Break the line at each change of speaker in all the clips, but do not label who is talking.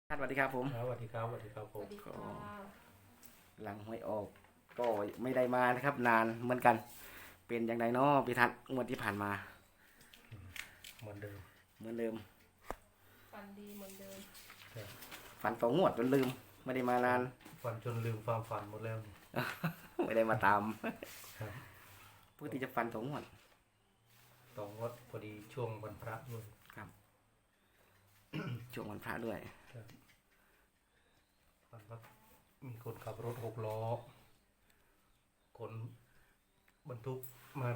สวัสดีครับผม
ครับสวัสดีครับสวัสดีครับผม
สวัสดี
ก็
ค่ะ
หลังหวยออกก็ไม่ได้มานะครับนานเหมือนกันเป็นอย่างไรเนาะพี่ทัศน์งวดที่ผ่านมา
เหมือนเดิม
เหมือนเดิม
ฟันดีเหมือนเดิม
ครับ
ฝันต่องวดจนลืมไม่ได้มานาน
ฝันจนลืมความฝันหมดแล้วนี่
ไม่ได้มาตาม
ครับ
ปกติจะฝันต่องวด
ต่องดพอดีช่วงวันพระด้วย
ครับช่วงวันพระด้วย
ครับฝันว่ามีคนขับรถ6 ล้อคนบรรทุกมา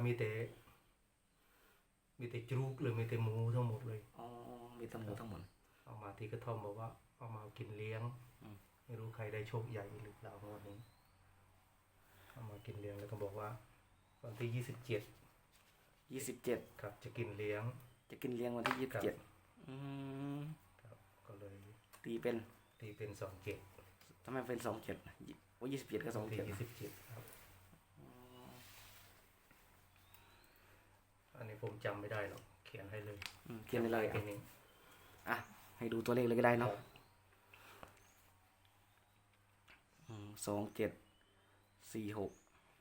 มีแต่จรูกเลยมีแต่หมูทั้งหมดเลย
อ๋อมีทั้งหมดทั้งหมด
เอามาที่กระท่อมบอกว่าเอามากินเลี้ยงไม่รู้ใครได้โชคใหญ่หรือเปล่างวดนี้เอามากินเลี้ยงแล้วก็บอกว่าวันที่27
27
ครับจะกินเลี้ยง
จะกินเลี้ยงวันที่27อืม
ครับก็เลย
ตีเป็น
27
ทำไมเป็น27ว่า27กับ
ที่
27
27ครับอันนี้ผมจำไม่ได้หรอกเขียนให้เลย
เขียนเลย
แค่นี้
อ่ะให้ดูตัวเลขเลยก็ได้เนาะ2746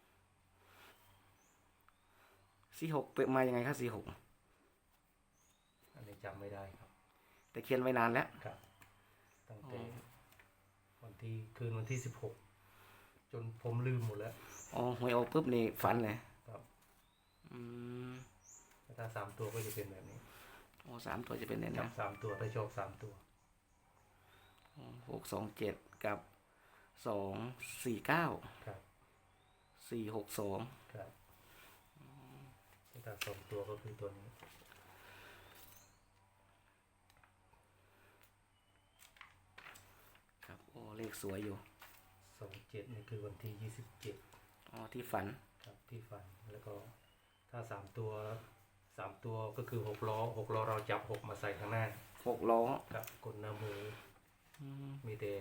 เป็นมายังไงครับ46
อันนี้จำไม่ได้ครับ
แต่เขียนไว้นานแล้ว
ครับตั้งแต่คืนวันที่16จนผมลืมหมดแล้ว
อ๋อหวยออกปุ๊บนี่ฝันเลย
ครับ
อืม
ถ้า3 ตัวก็จะเป็นแบบนี้
โอ้3 ตัวจะเป็นเนี่ย
จั
นะ
บ3 ตัวถ้าชอบ3 ตัว
627กับ249
ครับ
462
ครับถ้า2 ตัวก็คือตัวนี้
ครับโอ้เลขสวยอยู่
27นี่คือวันที่27
อ๋อที่ฝัน
ครับที่ฟันแล้วก็ถ้า3 ตัวก็คือ6 ล้อเราจับ6มาใส่ข้างหน้า
6 ล้อ
ครับกดหน้ามือมีแต่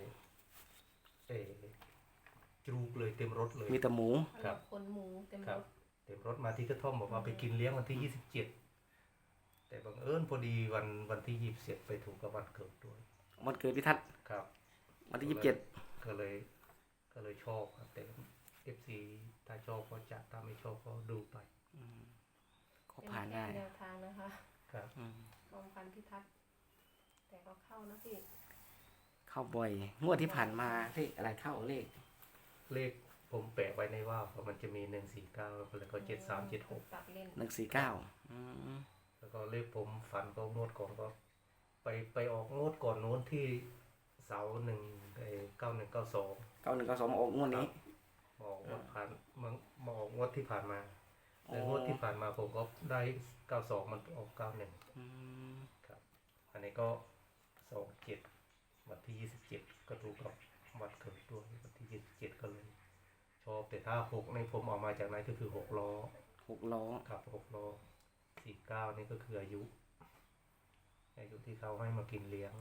จรูกเลยเต็มรถเลย
มีแต่หมู
ครับ
คนหมูเต็ม
ค
ร
รับ
ถ
เต็มรถมาที่กระท่อมบอกว่าไปกินเลี้ยงวันที่27แต่บังเอิญพอดีวันที่27ไปถูกกับวันเกิดด้วย
วันเกิดพิทัศน์
ครับ
วันที่27
ก็เลยชอบครับแต่ FC ถ้าชอบก็จัดถ้าไม่ชอบก็ดูไป
ก็ผ่านได้
เป็นแนวทางนะคะ
ครับ
ความพันพิทักษ์แต่ก็เข้านะพี่
เข้าบ่อยงวดที่ผ่านมาเลขอะไรเข้าเลข
ผมแปะไว้ในว่าวมันจะมี149แล้วก็7376
ตัดเล่น
149
แล้วก็เลขผมฝันก็งวดก่อนก็ไปออกงวดก่อนโน้นที่เสา9192
9192ออกงวดนี้
มาออกงวดมาออกงวดที่ผ่านมาแล้วงวดที่ผ่านมาผมก็ได้92มันออก91ครับอันนี้ก็27วันที่27ก็ถูกกับวันเกิดด้วยวันที่27ก็เลยชอบแต่ถ้า6ในผมออกมาจากไหนก็คือ6 ล้อครับ6 ล้อ49นี่ก็คืออายุที่เขาให้มากินเลี้ยง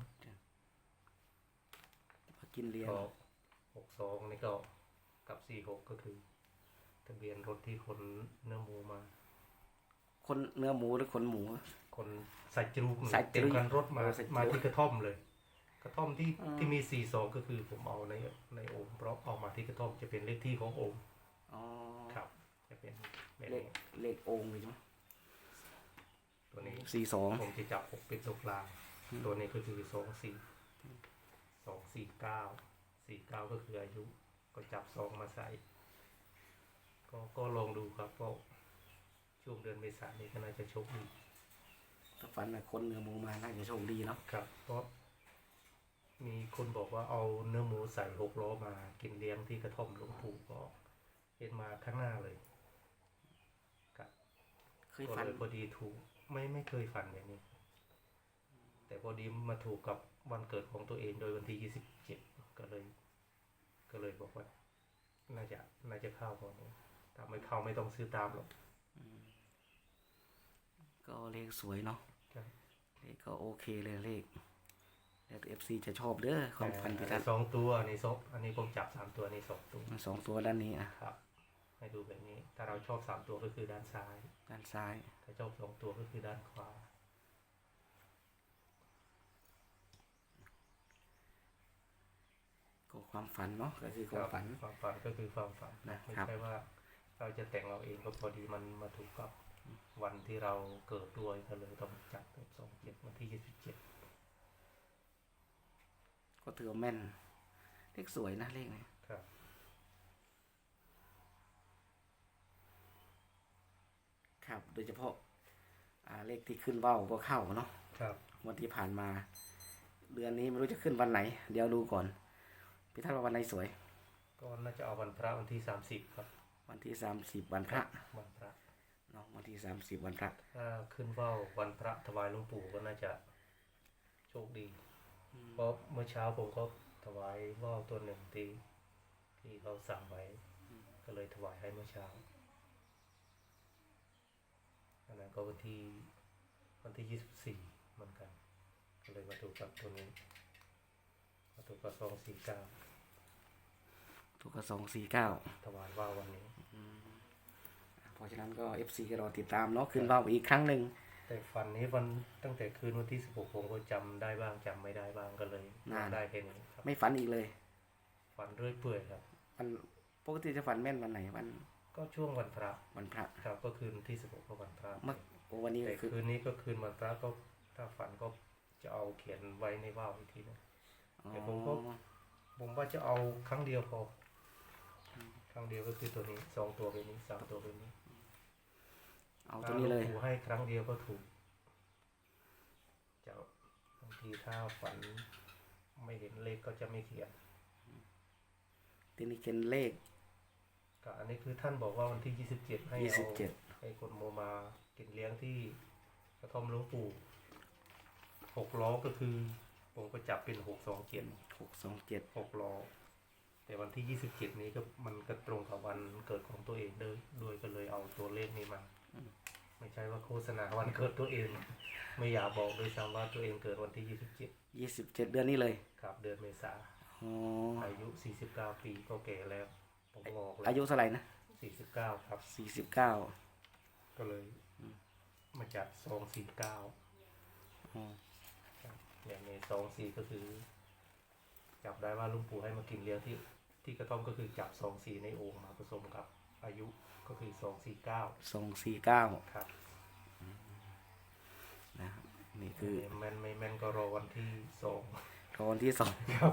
ก็62นี่ก็กับ46ก็คือทะเบียนรถที่คนเนื้อหมูมา
คนเนื้อหมูหรือคนหมู
คนใส่จรูกเต็มคันรถมาที่กระท่อมเลยกระท่อมที่มี42ก็คือผมเอาในโอ่งเพราะเอามาที่กระท่อมจะเป็นเลขที่ของโอ่งครับจะเป็น
เลขโอ่งเลยใช่ไหม
ตัวนี้
42
ผมจะจับ6เป็นตัวกลางตัวนี้ก็คือ249ก็คืออายุก็จับ2มาใส่ก็ลองดูครับก็ช่วงเดือนเมษายนนี้ก็น่าจะโชคดี
ถ้าฝันนะคนเนื้อหมูมาน่าจะโชคดีเนาะ
ครับเพราะมีคนบอกว่าเอาเนื้อหมูใส่6 ล้อมากินเลี้ยงที่กระท่อมหลวงปู่ก็เห็นมาข้างหน้าเลยครับ
เคยฝัน
พอดีถูกไม่เคยฝันแบบนี้แต่พอดีมาถูกกับวันเกิดของตัวเองโดยวันที่27ก็เลยบอกว่าน่าจะเข้าก่อนถ้าไม่เข้าไม่ต้องซื้อตามหรอก
ก็เลขสวยเนาะเลขก็โอเคเลยเลขแล้วFC จะชอบเด้อความฝันพิทัศน์
2 ตัวอันนี้ผมจับ3 ตัวนี้2 ตัว
2 ตัวด้านนี้
ครับให้ดูแบบนี้ถ้าเราชอบ3 ตัวก็คือด้านซ้ายถ้าชอบ2 ตัวก็คือด้านขวา
ความฝันเนาะก็คือความฝัน
ความฝันก็คือความฝัน
นะ
ไม่
ครับ
ใช่ว่าเราจะแต่งเราเองก็พอดีมันมาถูกกับวันที่เราเกิดด้วยก็เลยต้องจัดเป็น27วันที่27
ก็ถือว่าแม่นเลขสวยนะเลขนี้
ครับ
ครับ โดยเฉพาะเลขที่ขึ้นเบ้าก็เข้าเนาะ
ครับ
วันที่ผ่านมา เดือนนี้ไม่รู้จะขึ้นวันไหน เดี๋ยวดูก่อนพี่ท่านว่าวันไหนสวย
ก็น่าจะเอาวันพระวันที่30ครับ
วันที่30วันพระ
วันพระ
เนาะวันที่30วันพระ
ถ้าขึ้นว่าววันพระถวายหลวงปู่ก็น่าจะโชคดี เพราะเมื่อเช้าผมก็ถวายว่าวตัวหนึ่งที่เขาสั่งไว้ ก็เลยถวายให้เมื่อเช้าอันนั้นก็วันที่24เหมือนกัน ก็เลยมาถูกกับตัวนี้มาถูกกับ249
ถูกกระ249
ถวายว่าววันนี้
เพราะฉะนั้นก็ FC ก็รอติดตามเนาะขึ้นเบ้าอีกครั้งหนึ่ง
แต่ฝันนี้ตั้งแต่คืนวันที่16ผมก็จำได้บ้างจำไม่ได้บ้างก็เลยได้แค่นี้ครับ
ไม่ฝันอีกเลย
ฝันเรื่อยเปื่อยครับ
วันปกติจะฝันแม่นวันไหนวัน
ก็ช่วงวันพระ
วันพระ
ครับก็คืนที่16ก็วันพระ
เมื่อวันนี้
แต่
คือ
คืนนี้ก็คืนวันพระก็ถ้าฝันก็จะเอาเขียนไว้ในว่าวอีกทีนึง
อ๋อ
แต่ผมว่าจะเอาครั้งเดียวพอครั้งเดียวก็คือตัวนี้2ตัวเป็นนี้3ตัวเป็นนี้
เอาตัวนี้เลย
ถ้าหวงปู่ให้ครั้งเดียวก็ถูกจะบางทีถ้าฝันไม่เห็นเลขก็จะไม่เขียน
ทีนี้เขียนเลข
ก็อันนี้คือท่านบอกว่าวันที่27ให้เอา
27
ให้คนโมมากินเลี้ยงที่กระท่อมหลวงปู่6 ล้อก็คือผมก็จับเป็น627
627
6 ล้อแต่วันที่27นี้ก็มันก็ตรงกับวันเกิดของตัวเองด้วยก็เลยเอาตัวเลขนี้มาไม่ใช่ว่าโฆษณาวันเกิดตัวเอง ไม่อยากบอกด้วยซ้ำว่าตัวเองเกิดวันที่
27 เดือนนี้เลย
27ครับเดือนเมษา
อ๋อ
อายุ49 ปีก็แก่แล้วผมบอกเลย
อายุเท่าไหร่นะ
49ครับ
49
ก็เลยมาจัด249
อ๋อ
อย่างใน24ก็คือ จับได้ว่าหลุงปู่ให้มากินเลี้ยงที่กระท่อมก็คือจับ24ในโอ่งมาผสมกับอายุก็คือ249
249
ครับ
นะครับนี่คือ
แม่นไม่แม่นก็รอวันที่2
ตอนที่สอง
ครับ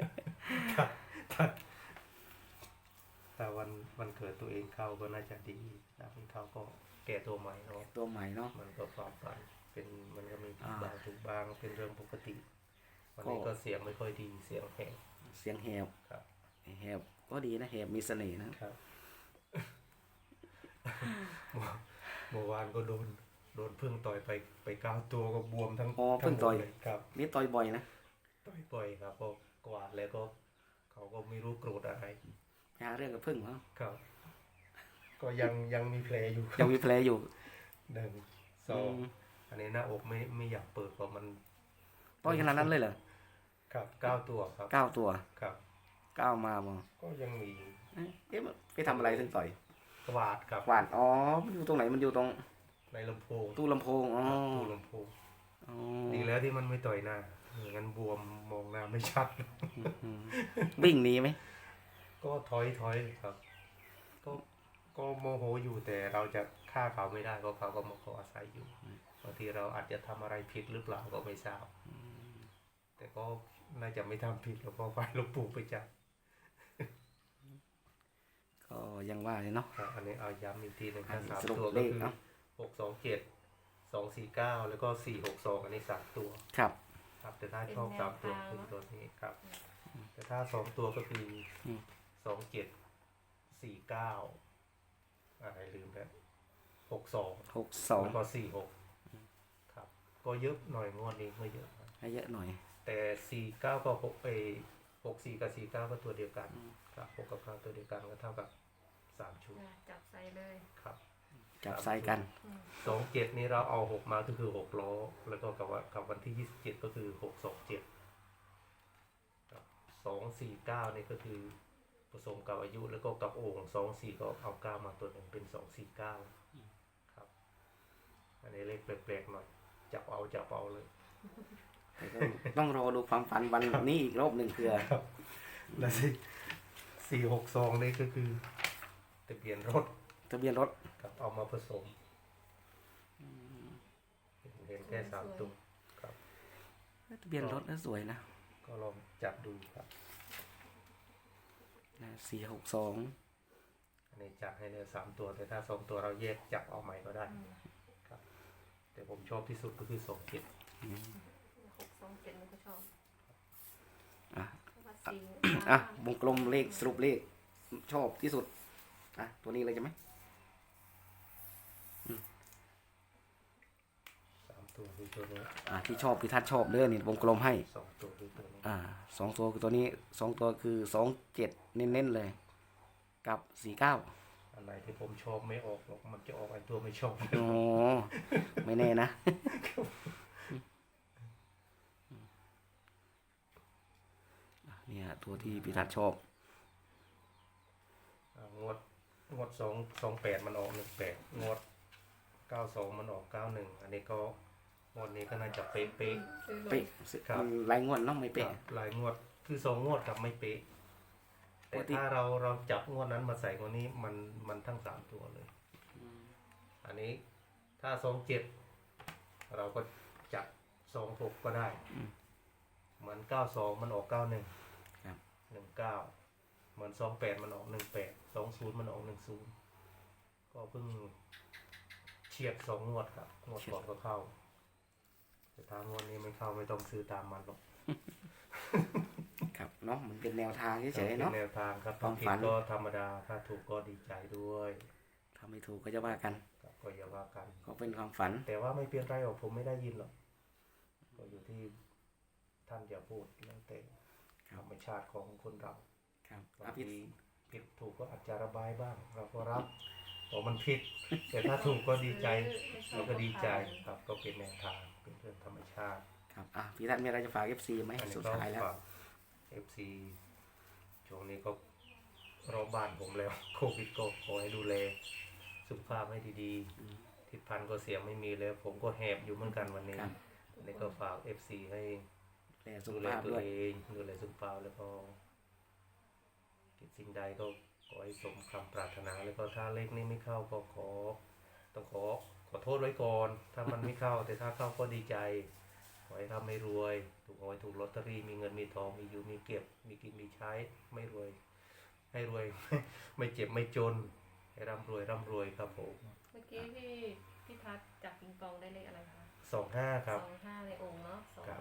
ถ้าวันเกิดตัวเองเข้าก็น่าจะดีนะมันเข้าก็แก่ตัวใหม่เนาะ
ตัวใหม่เนาะ
มันก็ความฝันเป็นมันก็มีผิด
อ่า
บางถูกบางเป็นเรื่องปกติ วันนี้ก็เสียงไม่ค่อยดีเสียงแหบ
เสียงแหบ
ครับ
แหบก็ดีนะแหบมีเสน่ห์นะครับ
เมื่อวานก็โดนพึ่งต่อยไป9 ตัวก็บวมทั้ง
อ๋อเพิ่งต่อย
ทั้หมดเลยครับ
นี่ต่อยบ่อยนะ
ต่อยบ่อยครับก็กวาดแล้วก็เขาก็ไม่รู้โกรธอะไร
ไปหาเรื่องกับพึ่งเหรอ
ครับ ก็ยังมีแผลอยู่
ยังมีแผลอยู่
1 2อันนี้หน้าอกไม่อยากเปิดเพราะมัน
ต่อยขนาดนั้นเลยเหรอ
ครับ9 ตัวครับ
9 ตัว
ครับ
9มาบ่
ก็ยังมี
มันไปทำอะไรถึงต่อย
กวาดครับ
หวานอ๋อมันอยู่ตรงไหนมันอยู่ตรง
ในลำโพง
ตู้ลำโพงอ๋อ
ครับตู้ลำโพง
อ๋อ
ดีแล้วที่มันไม่ต่อยหน้าไม่งั้นบวมมองหน้าไม่ชัด
อืมวิ่งหนีไหม
ก็ถอยครับ ก็โมโหอยู่แต่เราจะฆ่าเขาไม่ได้เพราะเขาก็มาขออาศัยอยู่บางทีเราอาจจะทำอะไรผิดหรือเปล่าก็ไม่ทราบแต่ก็น่าจะไม่ทำผิดแล้วเพราะไฟหลวงปู่ไปจับ
ก็ยังว่าเลยเนาะ
อันนี้เอาย้ำอีกทีหนึ่ง
อัน
ถ้า
นี้
3
สรุป
ตัว
เล
ก็
ข
คือ
เนาะ
627 249แล้วก็462อันนี้3 ตัว
ครับ
ครับแต่ถ้าชอบ3 ตัวคือตัวนี้ครับ แต่ถ้า2 ตัวก็คือ27 49อะไรลืมแล้ว62
62
แล้วก็46ครับก็เยอะหน่อยงวดนี้ไม่เยอะครับ
ให้เยอะหน่อย
แต่49ก็64กับ49ก็ตัวเดียวกันครับ6กับ9ตัวเดียวกันก็เท่ากับ3 ชุด
จับใส่เลย
ครับ
จับใส่กัน
27นี่เราเอา6มาก็คือ6 ล้อแล้วก็กับวันที่27ก็คือ627ครับ249นี่ก็คือผสมกับอายุแล้วก็กับโอ่ง24ก็เอา9มาตัวหนึ่งเป็น249ครับอันนี้เลขแปลกๆหน่อยจับเอาเลย
แต่ก็ต้องรอดูความฝันวันนี้อีกรอบหนึ่งเพื่อ
และ462นี่ก็คือทะเบียนรถ
ทะเบียนรถ
กับเอามาผสมเห็นแค่3ตัวครับ
ทะเบียนรถน่าสวยนะ
ก็ลองจับดูครับ
462
อันนี้จับให้เลย3ตัวแต่ถ้า2ตัวเราแยกจับเอาใหม่ก็ได้ครับแต่ผมชอบที่สุดก็คือ27
627มันก็ชอบ
อ่ะ
เพราะว่าสี
อ่ะวงกลมเลขสรุปเลขชอบที่สุดอ่ะตัวนี้เลยใช่ไหม
3ตัวคือตัวนี้
ที่ชอบพี่ทัศน์ชอบเด้อนี่วงกลมให้
2ตัวคือตัวนี้
2 ตัวคือตัวนี้2 ตัวคือ27เน้นๆเลย กับ49
อันไหนที่ผมชอบไม่ออกหรอกมันจะออกไอ้ตัวไม่ชอบ
โอ้ไม่แน่นะ เนี่ยตัวที่พี่ทัศน์ชอบ
งวด228มันออก18งวด92มันออก91อันนี้ก็งวดนี้ก็น่าจะเป๊ะ
ซื้อรถ
เป๊ะ
ครับ
มันรายงวดเนาะไม่
ๆ
เป๊ะ
หลายงวดคือ2งวดกับไม่เป๊ะแต่
ปกติ
ถ้าเราจับงวดนั้นมาใส่งวดนี้มันทั้ง3ตัวเลยอันนี้ถ้า27เราก็จับ26ก็ได้เหมือน92มันออก91
ครับ
19เหมือน28มันออก18 20มันออก10ก็เพิ่งเฉียด2งวดครับงวดก่อนก็เข้าแต่ถ้างวดนี้ไม่เข้าไม่ต้องซื้อตามมันหรอก
ครับเนาะมันเป็นแนวทางเฉยๆ
เป็
เนาะ
นแนวทางครับ
ควา
ถ้าม ผิ
ฝั
ด
น
ก็ธรรมดาถ้าถูกก็ดีใจด้วย
ถ้าไม่ถูกก็จะว่ากัน
ครับก็อย่าว่ากัน
ก็เป็นความฝัน
แต่ว่าไม่เป็นไรหรอกผมไม่ได้ยินหรอกก็อยู่ที่ท่านอย่าพูดแล้วแต่ธรรมชาติของคนเรา
ครับ
บาง
พี่
ทีผิดถูกก็อาจจะระบายบ้าง เราก็รับเพราะมันผิด แต่ถ้าถูกก็ดีใจเราก็ดีใจครับก็เป็นแนวทางเป็นเรื่องธรรมชาติ
ครับพี่ทัศน์มีอะไรจะฝาก FC ไหม
อันนี้
สุด
ก็
ท้ายแล้ว
ฝาก FC ช่วงนี้ก็รอบบ้านผมแล้ว โควิดก็ขอให้ดูแลสุขภาพให้ดีๆทิศพันธ์ก็เสียงไม่มีแล้ว ผมก็แหบอยู่เหมือนกันวันนี้
ครับ
อันนี้ก็ฝาก FC ให้
แต่สุ
ดู
ข
แล
ภาพ
ตัว
ด้วย
เองดูแลสุขภาพแล้วก็คิดสิ่งใดก็ขอให้สมคำปรารถนาแล้วก็ถ้าเลขนี้ไม่เข้าก็ต้องขอโทษไว้ก่อน ถ้ามันไม่เข้า แต่ถ้าเข้าก็ดีใจ ขอให้ร่ำไม่รวยถูกหวยถูกลอตเตอรี่มีเงินมีทองมีอยู่มีเก็บมีกินมีใช้ไม่รวย ให้รวย ไม่เจ็บไม่จนให้ร่ำรวยครับผม
เมื่อกี้พี่ทัศน์จับปิงปองได้เลขอะไรคะ
25ครับ
25ในองค์เนาะ
ครับ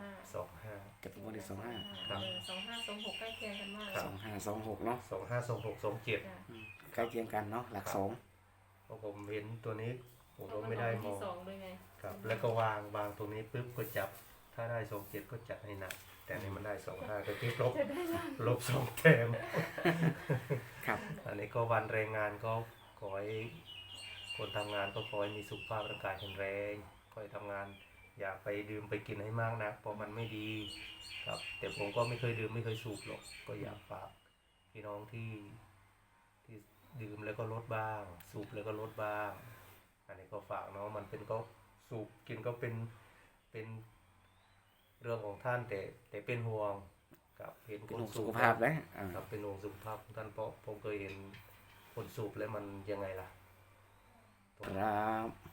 25
จะเป็นวันที่25
ครับ
25 26ใกล้เคียงกันมาก
2526เนาะ
252627
จ้ะ
ใกล้เคียงกันเนาะหลัก
ครับ
สอง
เพราะผมเห็นตัวนี้ผม
เพราะ
ก็
มัน
ไม่
อ
ได้
อก
ม
ที่
อง
สองด้วยไง
ครับแล้วก็วางตรงนี้ปุ๊บก็จับถ้าได้27ก็จัดให้หนักแต่นี่มันได้25ก็คือลบ2แต้ม
ครับ
อันนี้ก็วันแรงงานก็ขอให้คนทำงานก็ขอให้มีสุขภาพร่างกายแข็งแรงขอให้ทำงานอย่าไปดื่มไปกินให้มากนักเพราะมันไม่ดีครับแต่ผมก็ไม่เคยดื่มไม่เคยสูบหรอกก็อยากฝากพี่น้องที่ดื่มแล้วก็ลดบ้าง สูบแล้วก็ลดบ้าง อันนี้ก็ฝากเนาะมันเป็นก็สูบกินก็เป็นเรื่องของท่านแต่เป็นห่วงกับเห็น
เป็น
คน
ห่วง
สู
สุ
บ
ขภาพนะ
ครับเป็นห่วงสุขภาพของท่านเพราะผมเคยเห็นคนสูบแล้วมันยังไงล่ะ
ครับ